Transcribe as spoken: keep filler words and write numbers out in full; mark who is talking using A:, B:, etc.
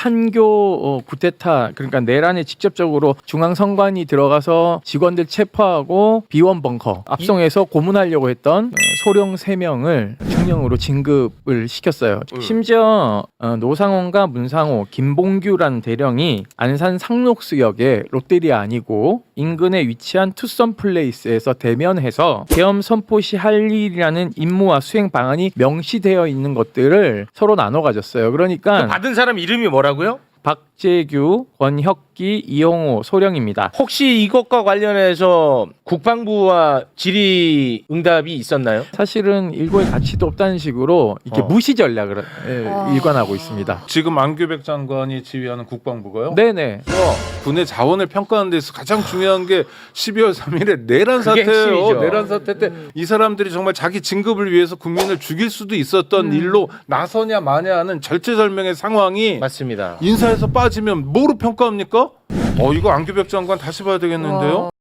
A: 찬교 어, 구테타 그러니까 내란에 직접적으로 중앙선관위 들어가서 직원들 체포하고 비원 벙커 압송해서 고문하려고 했던 어, 소령 세 명을 중령으로 진급을 시켰어요.
B: 음.
A: 심지어 어, 노상원과 문상호, 김봉규라는 대령이 안산 상록수역에 롯데리아 아니고 인근에 위치한 투썸 플레이스에서 대면해서 계엄 선포 시 할 일이라는 임무와 수행 방안이 명시되어 있는 것들을 서로 나눠 가졌어요. 그러니까
B: 받은 사람 이름이 뭐라고요?
A: 박재규, 권혁기, 이용호, 소령입니다.
B: 혹시 이것과 관련해서 국방부와 질의응답이 있었나요?
A: 사실은 일고의 가치도 없다는 식으로 이렇게
B: 어.
A: 무시 전략을 예,
C: 아.
A: 일관하고 있습니다.
D: 지금 안규백 장관이 지휘하는 국방부가요?
A: 네네.
D: 군의 자원을 평가하는 데서 가장 중요한 게 십이월 삼일에 내란
B: 그게
D: 사태예요.
B: 핵심이죠.
D: 내란 사태 때 이 사람들이 정말 자기 진급을 위해서 국민을 죽일 수도 있었던 일로 나서냐 마냐 하는 절체절명의 상황이
B: 맞습니다.
D: 인사에서 빠지면 뭐로 평가합니까? 어 이거 안규백 장관 다시 봐야 되겠는데요.